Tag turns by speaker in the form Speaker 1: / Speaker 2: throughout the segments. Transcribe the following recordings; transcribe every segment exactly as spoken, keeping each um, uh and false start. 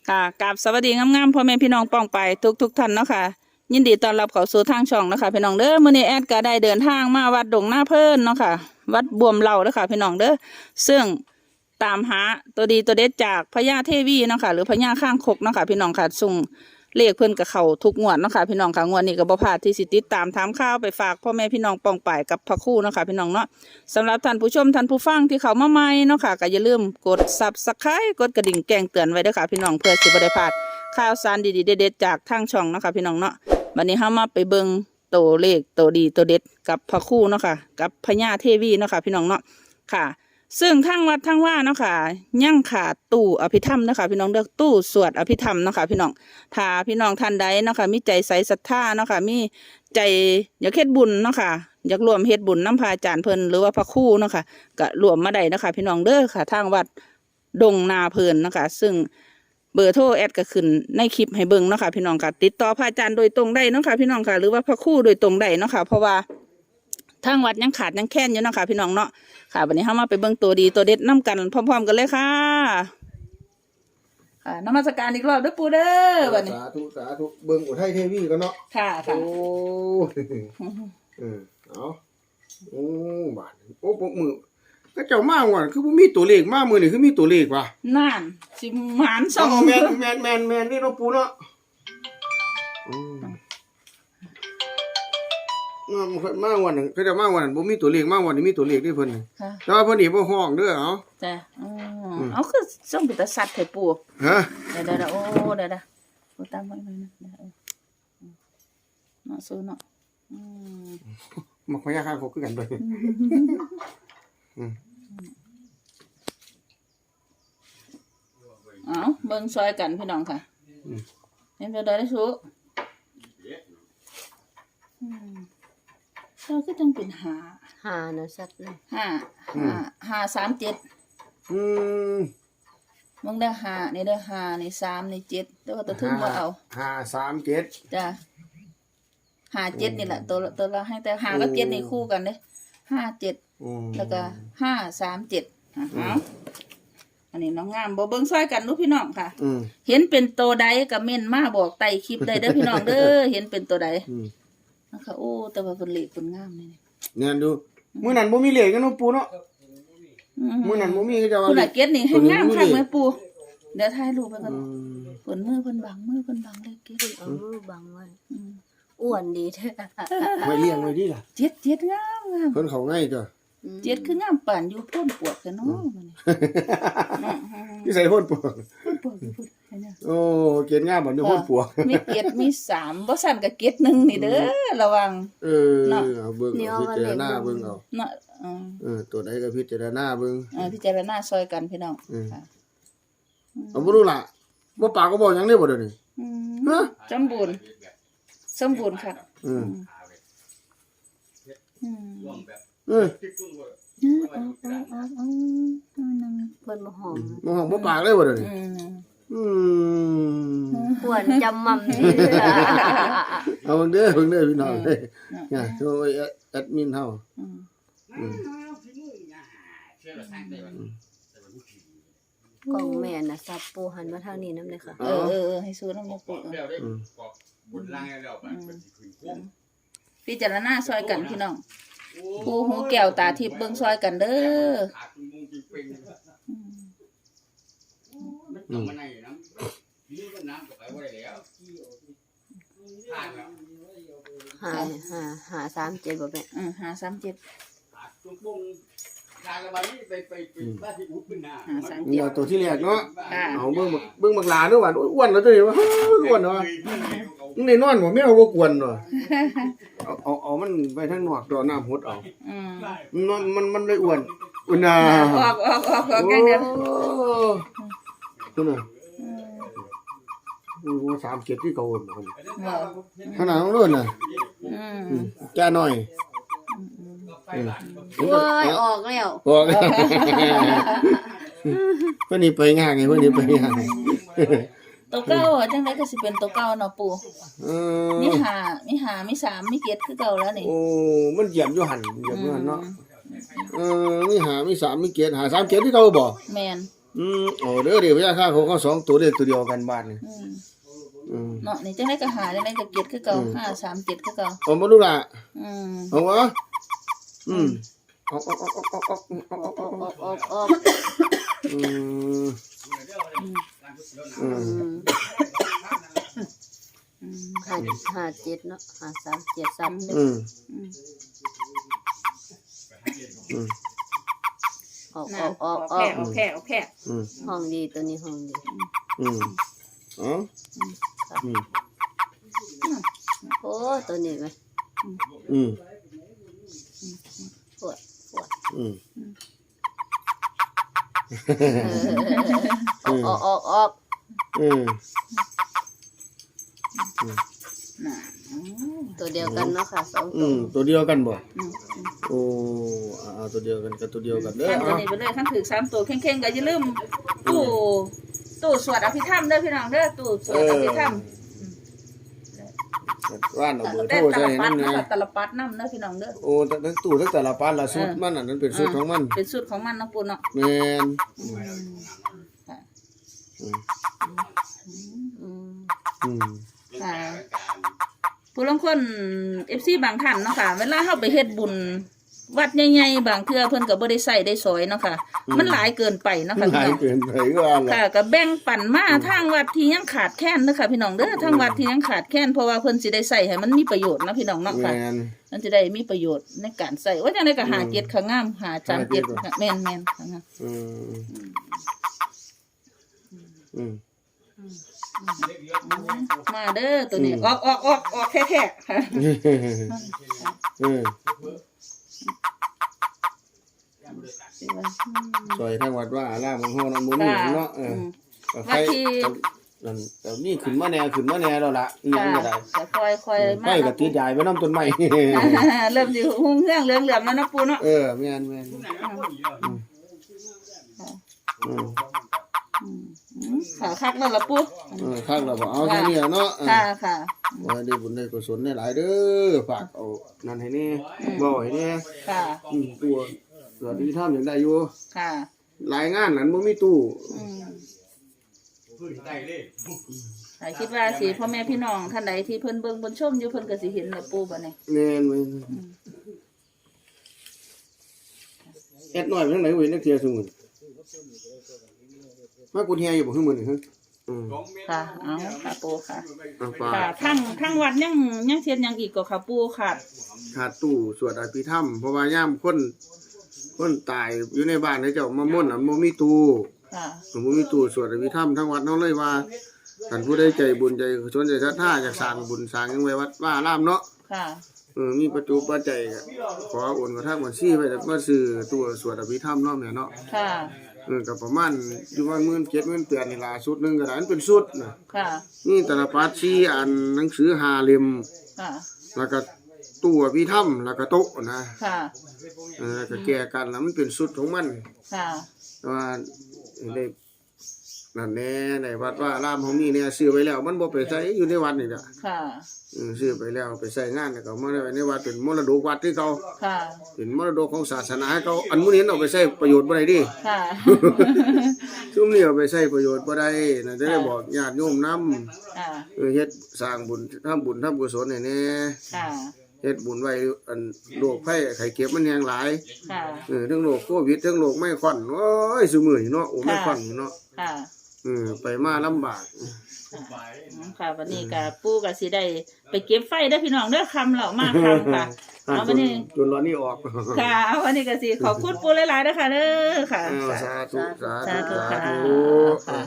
Speaker 1: ค่ะกราบสวัสดีงามๆพ่อแม่พี่น้องป้องไปทุกทุกท่านเนาะค่ะยินดีต้อนรับเข้าสู่ทางช่องเนาะค่ะพี่น้องเด้อมื้อนี้แอดก็ได้เดินทางมาวัดดงหน้าเพิ่นเนาะค่ะวัดบวมเหล่าเด้อค่ะพี่น้องเด้อซึ่งตามหาตัวดีตัวเด็ดจากพญาเทวีเนาะค่ะหรือพญาข้างคกเนาะค่ะพี่น้องค่ะส่งเลขเพิ่นกับเขาทุกงวดเนาะค่ะพี่น้องค่ะงวดนี้ก็บ่พลาดที่สิติดตามถามข่าวไปฝากพ่อแม่พี่น้องป้องไปกับพระครูเนาะค่ะพี่น้องเนาะสำหรับท่านผู้ชมท่านผู้ฟังที่เขามาใหม่เนาะค่ะก็อย่าลืมกด ซับสไครบ์ กดกระดิ่งแจ้งเตือนไว้ด้วยค่ะพี่น้องเพื่อสิบ่ได้พลาดข่าวสารดีๆเด็ดๆจากทางช่องเนาะค่ะพี่น้องเนาะวันนี้เฮามาไปเบิ่งตัวเลขตัวดีตัวเด็ดกับพระครูเนาะค่ะกับพญาเทวีเนาะค่ะพี่น้องเนาะค่ะซึ่งทางวัดทางว่าเนาะค่ะยังขาดตู้อภิธรรมเนาะค่ะพี่น้องเด้อตู้สวดอภิธรรมเนาะค่ะพี่น้องถ้าพี่น้องท่านใดเนาะค่ะมีใจใสศรัทธาเนาะค่ะมีใจอยากเฮ็ดบุญเนาะค่ะอยากรวมเฮ็ดบุญน้ำพระอาจารย์เพิ่นหรือว่าพระครูเนาะค่ะก็รวมมาได้เนาะค่ะพี่น้องเด้อค่ะทางวัดดงนาเพิ่นเนาะค่ะซึ่งเบอร์โทรแอดก็ขึ้นในคลิปให้เบิ่งเนาะค่ะพี่น้องค่ะติดต่อพระอาจารย์โดยตรงได้เนาะค่ะพี่น้องค่ะหรือว่าพระครูโดยตรงได้เนาะค่ะเพราะว่าทางวัดยังขาดยังแค้นอยู่เนาะค่ะพี่น้องเนาะค่ะวันนี้เฮามาไปเบิ่งตัวดีตัวเด็ดนํกันพร้อมๆกันเลยค่ะค่ะนมัสการอีกรอบเด้อปู่เด้อบัดนี้
Speaker 2: สาธุสาธุเบิ่งอุทัยเทวีกันเนาะ
Speaker 1: ค่ะค่ะ
Speaker 2: โอ้เออเอาโอ้บาดโอ้ปกมือก็เจ้ามาว่าคือบ่มีตัวเลขมามื้อนี่คือมีตัวเลขว่ะ
Speaker 1: นั่นสิหมานสอง
Speaker 2: แม่นแม่นแม่นแม่นนี่เนาะปู่เนาะอืมมาวันนึงเขาจะมาวันบ่มีตัวเลขมาวันนี้มีตัวเลขด้วยเพิ่นค่ะแต่ว่าเพิ่นนี่บ่ฮ้องเด้อเอ้า
Speaker 1: จ้ะอ๋อเอาคือส่งไปตะสัตว์ให้ปู่
Speaker 2: ฮะ
Speaker 1: เดี๋ยวๆๆโอ้เดี๋ยวๆปู่ตามไว้หน่อยนะเดี๋ยวเนาะสู้เนาะอืม
Speaker 2: มักพยาคางคกคือกันเด้ออืม
Speaker 1: เอาเบิ่งซอยกันพี่น้องค่ะเห็นบ่ได้ได้สู้อืมเราก็ต้องเป็นหา
Speaker 3: หานะสัตว์เลย
Speaker 1: ห้าห้าห้าสามเจ็ด
Speaker 2: อืม
Speaker 1: มึงได้ห้านี่ได้ห้านี่สามนี่เจ็ดแต่ว่าตัวทึ่งบ่เอา
Speaker 2: ห้าสามเจ็ด
Speaker 1: จ้ะห้าเจ็ดนี่แหละตัวตัวละให้แต่ห้ากับเจ็ดนี่คู่กันเด้ห้าเจ็ดแล้วก็ห้าสามเจ็ดเอาอันนี้น้องงามบ่เบิ่งซอยกันลูกพี่น้องค่ะเห็นเป็นตัวใดก็เม่นมาบอกใต้คลิปได้เด้อพี่น้องเด้อเห็นเป็นตัวใดนะคะโอ้แต่ว่าเพิ่นเล็กเพิ่นงามนี่
Speaker 2: เนี่ยดูมื้อนั้นบ่มีเลขกันเนาะปู่เนาะมื้อนั้นบ่มีก็จะว่า
Speaker 1: ผู้ละเก็ดนี่ให้งามคักแม่ปู่เดี๋ยวถ่ายรูปไปก่อนเพิ่นมือเพิ่นบังมือเพิ่นบังเลยเก็ด
Speaker 3: เอามือบังไว้อ้วนดีแท้
Speaker 2: ไว้เลี้ยงไว้ดีล่ะ
Speaker 1: เจ็ดเจ็ดงามงาม
Speaker 2: เพิ่นเข้าง่ายจ้ะ
Speaker 1: เจ็ดคืองามปานอยู่พ่นปวดกันเนาะมัน
Speaker 2: นี่ใส่พ่นปวก
Speaker 1: พ่นปวดพูดให้เนี่ย
Speaker 2: โอ้เกล็ดงามบ่อยู่พ่นปวก
Speaker 1: มีเกล็ดมีสามบ่สั่นก็เกล็ดหนึ่งนี่เด้อระวัง
Speaker 2: เออเอาเบิ่งเอาพิจารณาเบิ่งเอา
Speaker 1: เนาะ
Speaker 2: เออตัวใดก็พิจารณาเบิ่ง
Speaker 1: เออพิจารณาซอยกันพี่น้องค่ะ
Speaker 2: เอาบ่รู้ล่ะบ่ปากก็บ่หยังได้บ่เดี๋ยวนี้
Speaker 1: ฮะสมบูรณ์สมบูรณ์ค่ะอืมอืม
Speaker 2: เออ
Speaker 3: เพิ่นบ่หอม
Speaker 2: บ่หอมบ่ปากเลยบ่เดี๋ยวนี้อืม
Speaker 3: อ้วนจำมั่มนี่
Speaker 2: เอาเบิ่งเด้อเบิ่งเด้อพี่น้องเด้อเนี่ยโทรแอดมินเฮาอืม
Speaker 3: กล่องแม่น่ะสับปูหันมาทางนี้นำเลยค่ะ
Speaker 1: เออๆให้สู้นำบ่ปูอืมบุญล่างแล้วบัดมันสิขึ้นคุ้มพิจารณาซอยกันพี่น้องผู้หูแก้วตาทิพย์เบิ่งซอยกันเด้อ
Speaker 3: หาหาหาสามเจ็ดบ่แม่
Speaker 1: อือห้าสามเจ็ด
Speaker 2: เอาตัวที่แรกเนาะเอาเบิ่งเบิ่งบักหลาเด้อว่าอ้วนแล้วตัวนี้ว่าอ้วนเนาะมึงได้นอนบ่แม่เอาบ่กวนเนาะเอาเอาเอามันไปทางนอกดอกน้ำหดเอาอืมมันมันมันเลยอ้วนอุ่นน่ะ
Speaker 1: ออกออกออกออกแกงเดือด
Speaker 2: ตัวน่ะโอ้สามเจ็ดที่เก่าบ่ขนาดนั้นเลยน่ะอืมแก่หน่อย
Speaker 3: โอ้ยออกแล้ว
Speaker 2: ออกเพิ่นนี่ไปง่ายไงเพิ่นนี่ไปง่าย
Speaker 1: ตัวเก่าจังได๋ก็สิเป็นตัวเก่าเนาะปู่เออมีห้ามีห้ามีสามมีเจ็ดคือเก่าแล้วนี่
Speaker 2: โอ้มันเหยียบอยู่หั่นเหยียบอยู่หั่นเนาะเออมีห้ามีสามมีเจ็ดห้าสามเจ็ดที่เก่าบ่
Speaker 1: แม่น
Speaker 2: ออืมโอ้เด้อเดี๋ยวพญาข้างเขาเขาสองตัวเด้อตัวเดียวกันบ้านนี่
Speaker 1: อืม
Speaker 2: อืม
Speaker 1: เนาะนี่จังได๋ก็หาจังได๋ก็เก็ดคือเก่าห้าสามเจ็ดคือเก่า
Speaker 2: เอาบ่รู้ล่ะ
Speaker 1: อืม
Speaker 2: เอาวะอืมเอาเอาเอาเอาเอาเอาเอา
Speaker 3: ออกออกออกออก
Speaker 2: อืมอืม
Speaker 3: อืมห้าห้าเจ็ดเนาะห้าสามเจ็ดสามหนึ่ง
Speaker 2: อืม
Speaker 1: อืม
Speaker 2: อืม
Speaker 3: ออก
Speaker 1: นะ
Speaker 3: ออกออกอ
Speaker 1: แค่
Speaker 3: อก
Speaker 1: เอาแค่เอาแค่
Speaker 2: อืม
Speaker 3: ห้องดีตัวนี้ห้องดี
Speaker 2: อืมอ๋ออืม
Speaker 3: โอ้ตัวนี้ไหม
Speaker 2: อืม
Speaker 3: ปวดปวด
Speaker 2: อืม
Speaker 3: เออออกออกออกออก
Speaker 2: อืม
Speaker 1: น่ะอืม
Speaker 3: ตัวเดียวกันเนาะค่ะสอง
Speaker 2: อื
Speaker 3: ตัว
Speaker 2: มตัวเดียวกันบ่
Speaker 1: อืมอืม
Speaker 2: โอ้เอาตัวเดียวกันกับตัวเดียวกันเด้อ
Speaker 1: ขั้นตัว
Speaker 2: เอา
Speaker 1: นี้ไปเลยขั้นถือสามตัวเข่งๆก็อย่าลืมตู้ตู้สวดอภิธรรมเด้อพี่น้องเด้อตู้สวดอภิธรรม
Speaker 2: ว่านเอาเบอร์โท
Speaker 1: แต่
Speaker 2: ร
Speaker 1: ต
Speaker 2: ใส่
Speaker 1: ล
Speaker 2: ให้
Speaker 1: ปัด
Speaker 2: นำ
Speaker 1: เนาะ
Speaker 2: นะ
Speaker 1: ตลปัดน้ำเด้อพี่น้องเด้อ
Speaker 2: โอ้ทั้งตู้ทั้งแต่ละปานละสุดมันอันนั้นเป็นสุดของมัน
Speaker 1: เป็นสูตรของมันเนาะปูเนาะ
Speaker 2: แม่น
Speaker 1: อืมค่ะ
Speaker 2: อืม
Speaker 3: อืม
Speaker 2: อืม
Speaker 1: ค่ะผู้ลางคน เอฟ ซี บางท่านเนาะค่ะเวลาเฮาไปเฮ็ดบุญวัดใหญ่ๆบางเทื่อเพิ่นก็บ่ได้ใส่ได้สอยเนาะค่ะ มันหลายเกินไปเนาะค่ะ
Speaker 2: ห
Speaker 1: พี่
Speaker 2: ลาย
Speaker 1: น้อง
Speaker 2: เกินไปก็ว่าล่ะ
Speaker 1: ค่ะก็แบ่งปันมาทางวัดที่ยังขาดแคลนเด้อค่ะพี่น้องเด้อทางวัดที่ยังขาดแคลนเพราะว่าเพิ่นสิได้ใส่ให้มันมีประโยชน์เนาะพี่น้องเนาะค่ะ
Speaker 2: แม่น
Speaker 1: มันจะได้มีประโยชน์ในการใส่ว่าจังได๋ก็หาเจ็ดข้างงามหาจานเจ็ด
Speaker 2: หาเจ็ด
Speaker 1: แม่นแม่นข้างงาม
Speaker 2: อืมอืม
Speaker 1: มาเด้อตัวนี้ออกออกออกออกแท้ๆค่ะ
Speaker 2: อืมซอยทางวัดว่าอารามของเฮานํบ่มีหยังเนาะเออก็ใครนั่นแต่นี่ขึ้นมาแน่ขึ้นมาแน่แล้วล่ะอีหยังก็ได้
Speaker 1: จะคอยคอย
Speaker 2: ไฟ
Speaker 1: มา
Speaker 2: ก็ติดยายไว้นำต้นไม้
Speaker 1: เริ่มสิหุ่งเรื่องเหลืองๆแล้วเนาะปูเนาะ
Speaker 2: เออแม่นแม่นอืม
Speaker 1: อืมค่ะคักแล้วล่ะปู
Speaker 2: เออข้างเราบอกเอาแค่นี้เนาะ
Speaker 1: ค่ะค่ะ
Speaker 2: ว่าได้บุญได้กุศลได้หลายเด้อฝากเอานั่นให้แน่บ่ให้แน่
Speaker 1: ค่ะ
Speaker 2: อืมตัวตัวที่ทำอย่างได้อยู่
Speaker 1: ค่ะ
Speaker 2: หลายงานนั้นบ่มีตู้
Speaker 1: อืมแต่คิดว่าสิพ่อแม่พี่น้องท่านใดที่เพิ่นเบิ่งเพิ่นชมอยู่เพิ่นก็สิเห็นแหละปูบัดนี้
Speaker 2: แม่นเว้ยแอดน้อยไปทางไหนเว้ยนักเที่ยวซุมื้อมากุดเฮียอยู่บ่คือมื้อนี้ฮะอืม
Speaker 1: ค่ะเอาค่ะปูค่ะ
Speaker 2: เอาฝา
Speaker 1: ค่ะ
Speaker 2: ก
Speaker 1: ทั้งทั้งวัดยังยังเทียนยังอีกก็ค่ะปูค่ะ
Speaker 2: ขาดตู้สวดอภิธรรมเพราะว่ายามคนคนตายอยู่ในบ้านเขาเจ้ามาม่วนน่ะบ่มีตู้
Speaker 1: ค่ะ
Speaker 2: บ่มีตู้สวดอภิธรรมทั้งวัดเฮาเลยว่าท่านผู้ใดใจบุญใจกุศลใจศรัทธาอยากสร้างบุญสร้างหยังไว้วัดว่าอารามเนาะ
Speaker 1: ค่ะ
Speaker 2: เออมีประจุปัจจัยก็ขอโอนกระทั่งบัญชีไว้มาซื้อตัวสวดอภิธรรมเนาะแม่เนาะ
Speaker 1: ค่ะ
Speaker 2: เออก็ประมาณอยู่ว่าหมื่นเจ็ดหมื่นแปดนี่ล่ะชุดหนึงก็ได้มันเป็นชุดน่ะ
Speaker 1: ค่ะ
Speaker 2: มีตลปัดสี่อันหนังสือห้าเล่ม
Speaker 1: ค่ะ
Speaker 2: แล้วก็ตู้อภิธรรมแล้วก็โต๊ะนะ
Speaker 1: ค่ะ
Speaker 2: เออแล้วก็แก้กันแล้วมันเป็นชุดของมัน
Speaker 1: ค่ะ
Speaker 2: แต่ว่าได้นั่นแน่ในวัดว่าอารามของนี่เนี่ยซื้อไว้แล้วมันบ่ไปใช้อยู่ในวัดนี่ล่ะ
Speaker 1: ค่ะ
Speaker 2: เออซื้อไปแล้วไปใช้งานแล้วก็เอามาไว้ในวัดเป็นมรดกวัดที่เขา
Speaker 1: ค่ะ
Speaker 2: เป็นมรดกของศาสนาให้เขาอันมื้อนี้เอาไปใช้ประโยชน์บ่ได้ดิ
Speaker 1: ค่ะ
Speaker 2: ซุมนี้เอาไปใช้ประโยชน์บ่ได้น่ะจะได้บอกญาติโยมนำ
Speaker 1: ค่ะ
Speaker 2: เออเฮ็ดสร้างบุญทำบุญทำกุศลให้แน่
Speaker 1: ค่ะ
Speaker 2: เฮ็ดบุญไว้อันโรคภัยไข้เจ็บมันแฮงหลาย
Speaker 1: ค่ะ
Speaker 2: เออทั้งโรคโควิดทั้งโรคไม้ควันโอ้ยซุมื้อนี้เนาะโอ้ไม้ควันนี่เนาะ
Speaker 1: ค่ะ
Speaker 2: เออไปมาลำบาก
Speaker 1: ค่ะวันนี้ก็ปูก็สิได้ไปเก็บไฟเด้อพี่น้องเด้อคำแล้วมาคำค่ะ เอาวันนี้
Speaker 2: จนร้อนนี่ออก
Speaker 1: ค่ะเอาวันนี้ก็สิขอบคุณปูหลายๆเด้อค่ะเด้อค่ะ
Speaker 2: อ้าวสาธุสา
Speaker 1: สา
Speaker 2: ธุ
Speaker 1: ธุ
Speaker 2: สา
Speaker 1: ค่ะ
Speaker 2: ธุ
Speaker 1: ค่ะ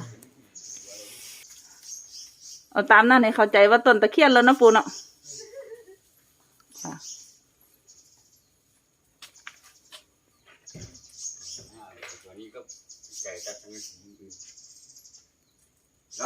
Speaker 1: เอาตามนั้นให้เข้าใจว่าต้นตะเคียนแล้วเนาะปูเนาะค่ะ
Speaker 4: ตัวนี้ก็ไก่ตัดทั้งนั้นนะ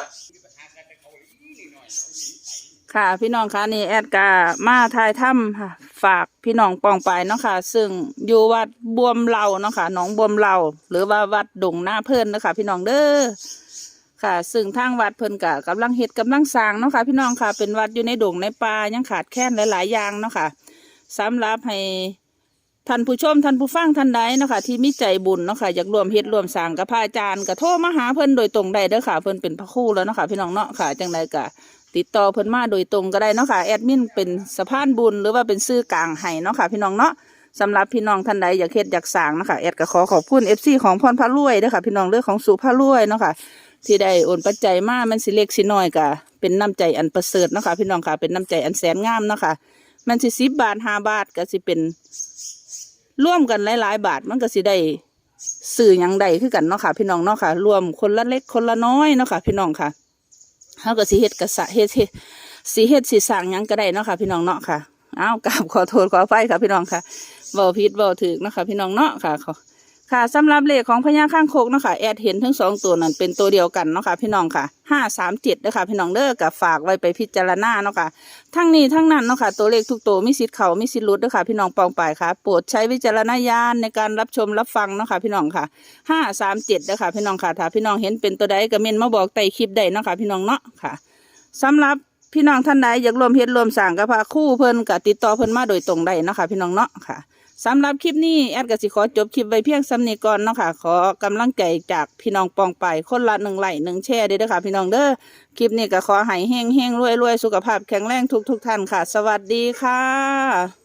Speaker 1: ค่ะพี่น้องคะนี่แอดกามาทายถ้ำค่ะ ฝากพี่น้องปองไปเนาะค่ะ ซึ่งอยู่วัดบวมเหล่าเนาะค่ะหนองบวมเหล่าหรือว่าวัดดงหน้าเพิ่นเนาะค่ะพี่น้องเด้อค่ะ ซึ่งทางวัดเพิ่นกะกำลังเฮ็ดกำลังสร้างเนาะค่ะพี่น้องค่ะ เป็นวัดอยู่ในดงในป่ายังขาดแคลนหลายๆอย่างเนาะค่ะสำหรับให้ท่านผู้ชมท่านผู้ฟังท่านใดเนาะค่ะที่มีใจบุญเนาะค่ะอยากร่วมเฮ็ดร่วมสร้างกับพระอาจารย์ก็โทรมาหาเพิ่นโดยตรงได้เด้อค่ะเพิ่นเป็นพระครูแล้วเนาะค่ะพี่น้องเนาะค่ะจังไดก็ติดต่อเพิ่นมาโดยตรงก็ได้เนาะค่ะแอดมินเป็นสะพานบุญหรือว่าเป็นสื่อกลางให้เนาะค่ะพี่น้องเนาะสำหรับพี่น้องท่านใดอยากเฮ็ดอยากสร้างเนาะค่ะแอดก็ขอขอบคุณ เอฟ ซี ของพรพระรวยเด้อค่ะพี่น้องเรื่องของสุภารวยเนาะค่ะที่ได้โอนปัจจัยมามันสิเล็กสิน้อยก็เป็นน้ำใจอันประเสริฐเนาะค่ะพี่น้องค่ะเป็นน้ำใจอันแสนงามเนาะค่ะมันสิสิบบาทห้าบาทก็สิเป็นร่วมกันหลายๆบาทมันก็สิได้สื่อหยังใดคือกันเนาะค่ะพี่น้องเนาะค่ะรวมคนละเล็กคนละน้อยเนาะค่ะพี่น้องค่ะเฮาก็สิเฮ็ดกะสะเฮ็ดเฮ็ดสิเฮ็ดสิสร้างหยังก็ได้เนาะค่ะพี่น้องเนาะค่ะอ้าวกราบขอโทษขออภัยค่ะพี่น้องค่ะเว้าผิดเว้าถูกเนาะค่ะพี่น้องเนาะค่ะค่ะสำหรับเลขของพญาข้างคกเนาะค่ะแอดเห็นทั้งสองตัวนั้นเป็นตัวเดียวกันเนาะค่ะพี่น้องค่ะห้าสามเจ็ดเด้อค่ะพี่น้องเด้อกับฝากไว้ไปพิจารณาเนาะค่ะทั้งนี้ทั้งนั้นเนาะค่ะตัวเลขทุกตัวมีสิทธิ์เข้ามีสิทธิ์หลุดเด้อค่ะพี่น้องปองไปค่ะโปรดใช้วิจารณญาณในการรับชมรับฟังเนาะค่ะพี่น้องค่ะห้าสามเจ็ดเด้อค่ะพี่น้องค่ะถ้าพี่น้องเห็นเป็นตัวใดก็เมนมาบอกใต้คลิปได้เนาะค่ะพี่น้องเนาะค่ะสำหรับพี่น้องท่านใดอยากรวมเฮ็ดรวมสร้างกับพระครูเพิ่นก็ติดต่อเพิ่นมาโดยตรงได้เนาะค่ะพี่น้องเนาะค่ะสำหรับคลิปนี้แอดก็สิขอจบคลิปไว้เพียงซ้ำนี้ก่อนเนาะค่ะขอกำลังใจจากพี่น้องปองไปคนละหนึ่งไลค์หนึ่งแชร์เด้อค่ะพี่น้องเด้อคลิปนี้ก็ขอให้เฮงเฮงรวยรวยสุขภาพแข็งแรงทุกทุกท่านค่ะสวัสดีค่ะ